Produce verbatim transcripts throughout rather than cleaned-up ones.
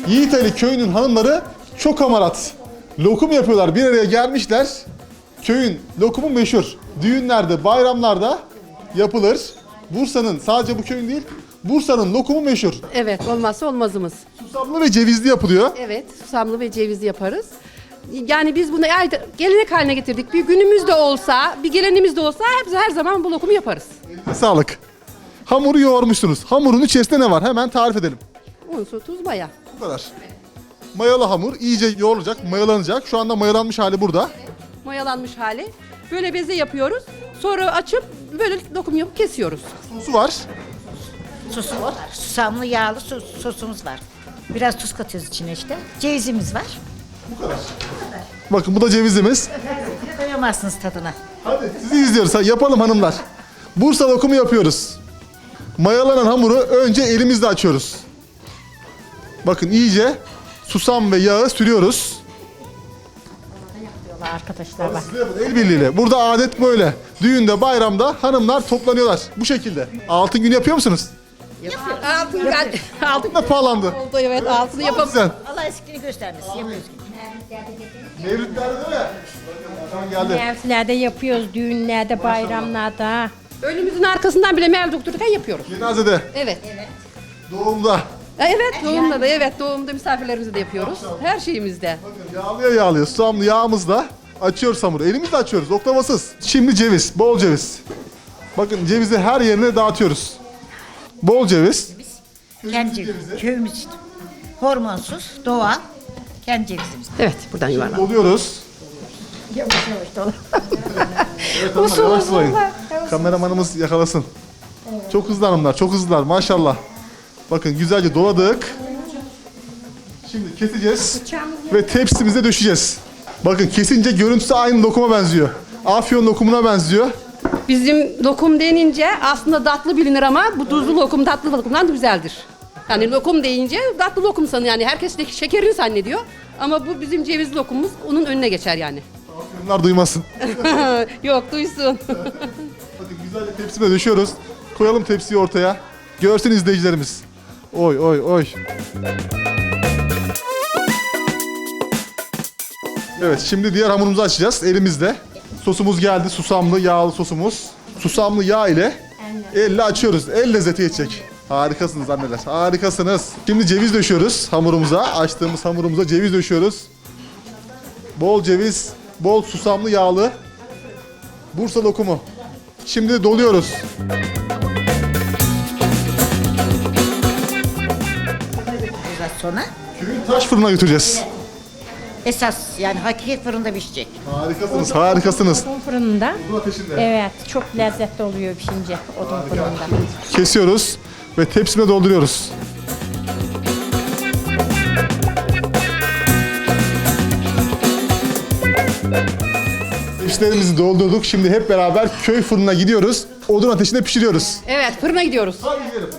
Yiğitali köyünün hanımları çok hamarat. Lokum yapıyorlar. Bir araya gelmişler. Köyün lokumu meşhur. Düğünlerde, bayramlarda yapılır. Bursa'nın, sadece bu köyün değil, Bursa'nın lokumu meşhur. Evet, olmazsa olmazımız. Susamlı ve cevizli yapılıyor. Evet, susamlı ve cevizli yaparız. Yani biz bunu ayda- gelenek haline getirdik. Bir günümüz de olsa, bir gelenimiz de olsa hep her zaman bu lokumu yaparız. Sağlık. Hamuru yoğurmuşsunuz. Hamurun içerisinde ne var? Hemen tarif edelim. Un, su, tuz, maya. Bu kadar. Mayalı hamur iyice yoğrulacak, mayalanacak. Şu anda mayalanmış hali burada. Mayalanmış hali. Böyle beze yapıyoruz. Sonra açıp böyle lokum yapıp kesiyoruz. Sosu var. Sosu var. Susamlı yağlı sos, sosumuz var. Biraz tuz katıyoruz içine işte. Cevizimiz var. Bakın bu da cevizimiz. Doyamazsınız tadına. Hadi sizi izliyoruz. Ha, yapalım hanımlar. Bursa lokumu yapıyoruz. Mayalanan hamuru önce elimizle açıyoruz. Bakın iyice susam ve yağı sürüyoruz. Diyorlar arkadaşlar bak. El birliğiyle. Burada adet böyle. Düğünde, bayramda hanımlar toplanıyorlar. Bu şekilde. Altın günü yapıyor musunuz? Altın, altın Ne pahalandı? oldu, evet, altını yapıp Sen. Allah eskini göstermesin. Yapıyoruz. Mevlütlerde değil mi? Bakın geldi. Mevsimlerde yapıyoruz, düğünlerde, bayramlarda. önümüzün arkasından bile mel doktorken yapıyoruz. Cenazede, Evet. doğumda. Evet, doğumda da, evet, doğumda misafirlerimizi de yapıyoruz. Her şeyimizde. Yağlıyor yağlıyor. Susamlı yağımızla açıyoruz hamuru. Elimizle açıyoruz. Oklavasız. Şimdi ceviz. Bol ceviz. Bakın cevizi her yerine dağıtıyoruz. Bol ceviz. Kendi cevizimiz. Köyümüz işte. Hormonsuz, doğal. Kendi cevizimiz. Evet, buradan yuvarlan. Doluyoruz. Yavaş yavaş dolar. Evet hanımlar yavaş sulayın. Kameramanımız yakalasın. Çok hızlı hanımlar. Çok hızlılar maşallah. Bakın güzelce doladık. Şimdi keseceğiz. Ve tepsimize döşeceğiz. Bakın kesince görüntüsü aynı lokuma benziyor. Afyon lokumuna benziyor. Bizim lokum denince aslında tatlı bilinir ama bu tuzlu lokum tatlı lokumdan da güzeldir. Yani lokum deyince tatlı lokum sanıyor, yani herkes de şekerini zannediyor. Ama bu bizim ceviz lokumumuz, onun önüne geçer yani. Bunlar duymasın. Yok, duysun. Bakın güzelce tepsime döşüyoruz. Koyalım tepsiyi ortaya. Görsün izleyicilerimiz. Oy oy oy. Evet şimdi diğer hamurumuzu açacağız elimizde. Sosumuz geldi. Susamlı yağlı sosumuz. Susamlı yağ ile elle açıyoruz. El lezzeti geçecek. Harikasınız anneler. Harikasınız. Şimdi ceviz döşüyoruz hamurumuza. Açtığımız hamurumuza ceviz döşüyoruz. Bol ceviz, bol susamlı yağlı Bursa lokumu. Şimdi de doluyoruz. Biraz sonra Köyün taş fırına götüreceğiz. esas yani hakiki fırında pişecek. Harikasınız, harikasınız. Odun fırında. Bu ateşinde. Evet, çok lezzetli oluyor pişince odun fırında. Kesiyoruz ve tepsime dolduruyoruz. Tepsilerimizi doldurduk. Şimdi hep beraber köy fırınına gidiyoruz. Odun ateşinde pişiriyoruz. Evet, fırına gidiyoruz. Hadi gidelim.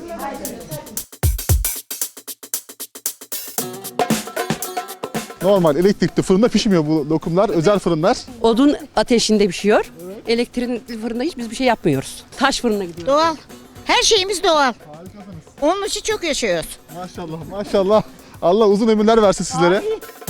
Normal elektrikli fırında pişmiyor bu lokumlar. Özel fırınlar. Odun ateşinde pişiyor. Elektrikli fırında hiç biz bir şey yapmıyoruz. Taş fırına gidiyoruz. Doğal. Her şeyimiz doğal. Onun için çok yaşıyoruz. Maşallah maşallah. Allah uzun ömürler versin sizlere.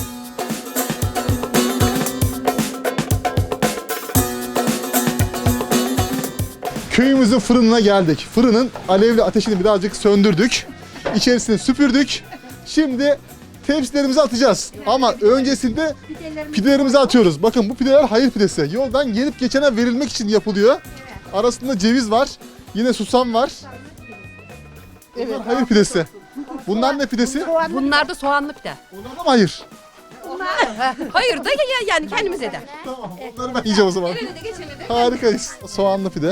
Köyümüzün fırınına geldik. Fırının alevli ateşini birazcık söndürdük. İçerisini süpürdük. Şimdi tepsilerimizi atacağız. Ama öncesinde pidelerimizi atıyoruz. Bakın bu pideler hayır pidesi. Yoldan gelip geçene verilmek için yapılıyor. Arasında ceviz var. Yine susam var. Bunlar hayır pidesi. Bunlar ne pidesi? Bunlar da soğanlı pide. Onlar da mı hayır? Hayır da ya, ya- yani kendimize de. Tamam, onları ben yiyeceğim o zaman. Gelene de geçene de. Harikayız. Soğanlı pide.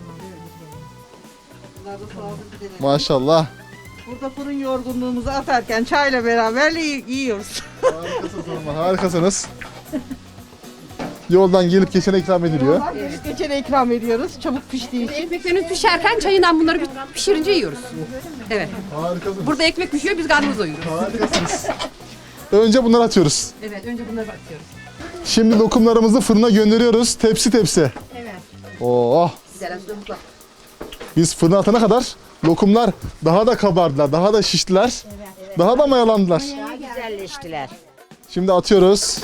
Maşallah. Burada fırın yorgunluğumuzu atarken çayla beraber yi- yiyoruz. Harikasınız hanımlar, harikasınız. Yoldan gelip geçene ikram ediliyor. Gelip geçene ikram ediyoruz çabuk piştiği için. Ekmeklerimiz pişerken çayından bunları bir pişirince yiyoruz. Evet. Harikasınız. Burada ekmek pişiyor, biz karnımızı doyuruyoruz. Harikasınız. Önce bunları atıyoruz. Evet, önce bunları atıyoruz. Şimdi lokumlarımızı fırına gönderiyoruz. Tepsi tepsi. Evet. Oh. Güzel, güzel. Biz fırına atana kadar lokumlar daha da kabardılar, daha da şiştiler. Daha da mayalandılar. güzelleştiler. Şimdi atıyoruz.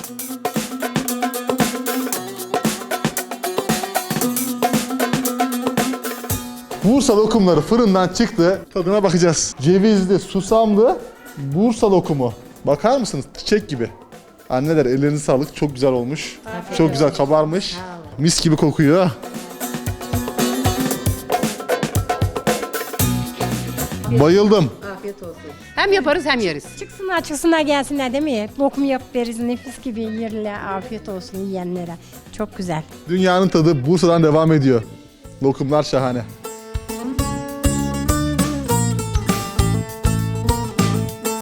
Bursa lokumları fırından çıktı. Tadına bakacağız. Cevizli, susamlı Bursa lokumu. Bakar mısınız? Çiçek gibi. Anneler ellerinize sağlık. Çok güzel olmuş. Çok güzel kabarmış. Mis gibi kokuyor. Bayıldım. Afiyet olsun. Hem yaparız hem yeriz. Çıksınlar çıksınlar gelsinler değil mi? Lokum yapıp veririz nefis gibi yerler. Afiyet olsun yiyenlere. Çok güzel. Dünyanın tadı Bursa'dan devam ediyor. Lokumlar şahane.